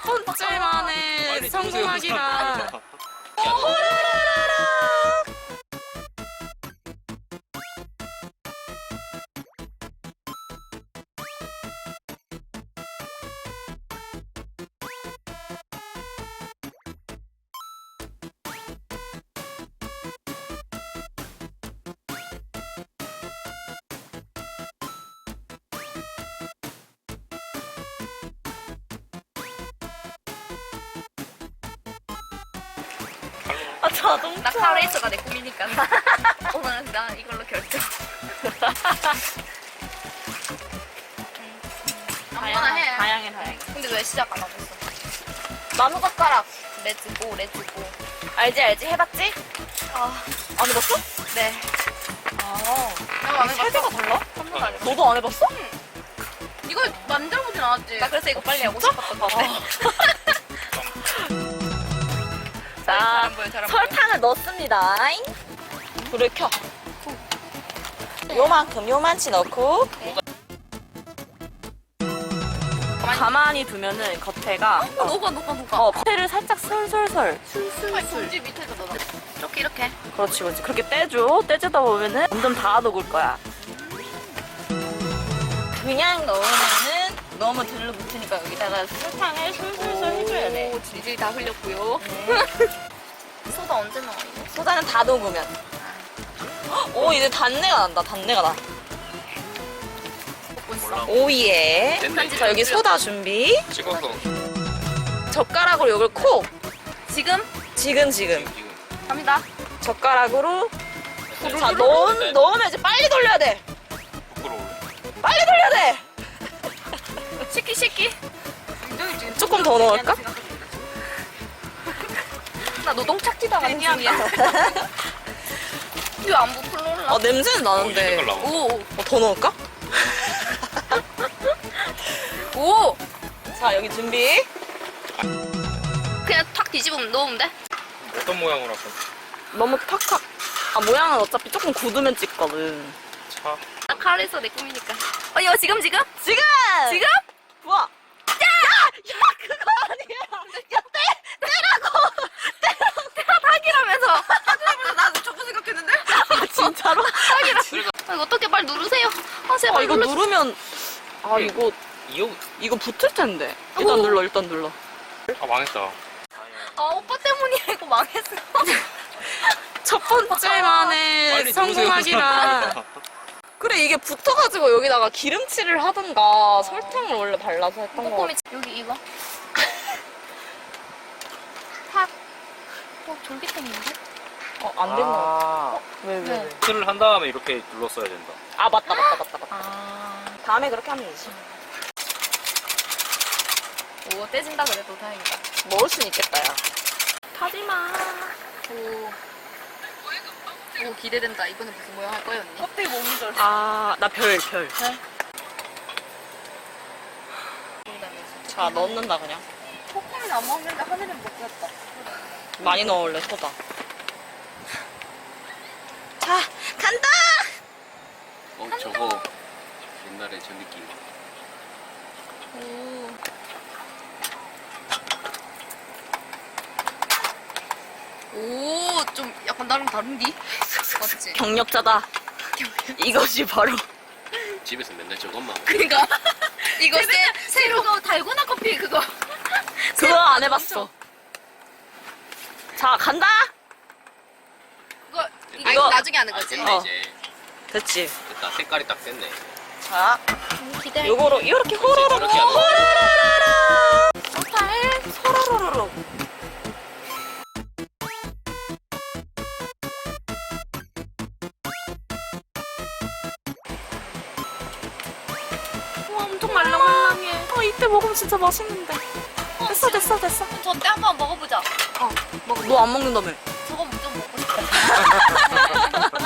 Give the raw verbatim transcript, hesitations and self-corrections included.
번째 만에 성공하기가. 아, 자동차. 나 카레이서가 내 꿈이니까. 오늘은 나 이걸로 결정. 아무거나 해. 다양해, 다양해. 근데 왜 시작 안 하고 있어? 나무 젓가락. 레츠고, 레츠고. 알지, 알지? 해봤지? 아, 안 해봤어? 네. 아. 나도 안 세대가 해봤어. 달라? 한 번도 안 해봤어. 너도 안 해봤어? 이거 만들어보진 않았지. 나 그래서 이거 빨리 하고 진짜? 싶었던 건데. 자, 잘안 보여, 잘안 보여. 설탕을 넣습니다. 불을 켜. 요만큼, 요만치 넣고. 가만히 두면은 겉에가 어, 녹아, 녹아, 녹아. 어, 겉에를 살짝 솔솔솔. 손지 밑에서 넣어. 이렇게, 이렇게. 그렇지, 그렇지. 그렇게 떼줘. 떼주다 보면은 점점 다 녹을 거야. 그냥 넣으면은 너무 들러붙으니까 여기다가 설탕을 솔솔솔 해줘야 돼. 오, 질질 다 흘렸고요. 소다 언제 넣어, 이거? 소다는 다 녹으면. 오, 이제 단내가 난다. 단내가 나. 먹고 있어. 오예. 됐네, 이제. 자, 여기 소다 준비. 찍었어. 젓가락으로 이걸 콕. 지금? 지금, 지금. 지금. 갑니다. 젓가락으로. 자, 넣, 넣으면 이제 빨리 돌려야 돼. 부끄러워. 빨리 돌려야 돼. 시키, 시키. 조금 더 넣을까? 나 노동 착지 당하는 중이야. 이거 안 부풀러올라. 아, 냄새는 나는데. 색깔 나오고. 오, 어, 더 넣을까? 오! 자, 여기 준비. 그냥 탁 뒤집으면 넣으면 돼? 어떤 모양으로 할까? 너무 탁탁. 아, 모양은 어차피 조금 굳으면 찍거든. 차. 나 카레에서 내 꿈이니까. 어, 이거 지금, 지금? 지금! 지금? 부어. 야! 야! 야, 그거 아니야. 야, 떼! 떼라고! 내가 닭이라면서. 닭이라면서 나도 조금 생각했는데? 아, 진짜로? 닭이라. 아, 이거 어떻게 빨리 누르세요. 아, 제발 아, 이거 눌러주- 누르면. 아, 이거, 이거 이거 붙을 텐데. 일단 오. 눌러, 일단 눌러. 아 망했다. 아, 오빠 때문이야. 이거 망했어. 첫 번째 만에 빨리 성공하기가. 그래, 이게 붙어가지고 여기다가 기름칠을 하든가 설탕을 원래 발라서 했던 거 꼼꼼히 같아. 여기 이거. 탁. 어, 졸깃했는데? 어, 안 된다. 아. 왜, 왜, 네. 왜? 틀을 한 다음에 이렇게 눌렀어야 된다. 아, 맞다, 맞다, 맞다, 맞다. 아. 다음에 그렇게 하면 되지. 오, 떼진다 그래도 다행이다. 먹을 순 있겠다, 야. 타지마. 오. 오, 기대된다. 이번에 무슨 모양 할 거예요, 언니? 껍데기 몸이 절. 아, 나 별, 별. 자, 넣는다, 그냥. 코코는 안 먹는데 하늘은 먹겠다. 많이 넣을래, 소다. 자, 간다! 어 저거 옛날에 저 느낌. 오. 오, 좀 약간 나랑 다른디? 맞지? 경력자다. 이것이 바로. 집에서 맨날 저것만. 그니까. 이거 새, 새로 그거 달고나 커피 그거. 그거 안 해봤어. 자, 간다! 그거, 이거, 이거- 나중에 하는 아 거지? 됐네 어. 이제. 됐지. 됐다. 색깔이 딱 됐네. 자, 음, 기대. 요거로 이렇게 호로록 이렇게 하는 거. 호로로로로 설탕을 소로로로로. 와, 엄청 말랑말랑해. 어, 이때 먹으면 진짜 맛있는데. 됐어, 됐어, 됐어. 저때 한번 먹어보자. 너 안 먹는다며? 저거 좀 먹고 싶다.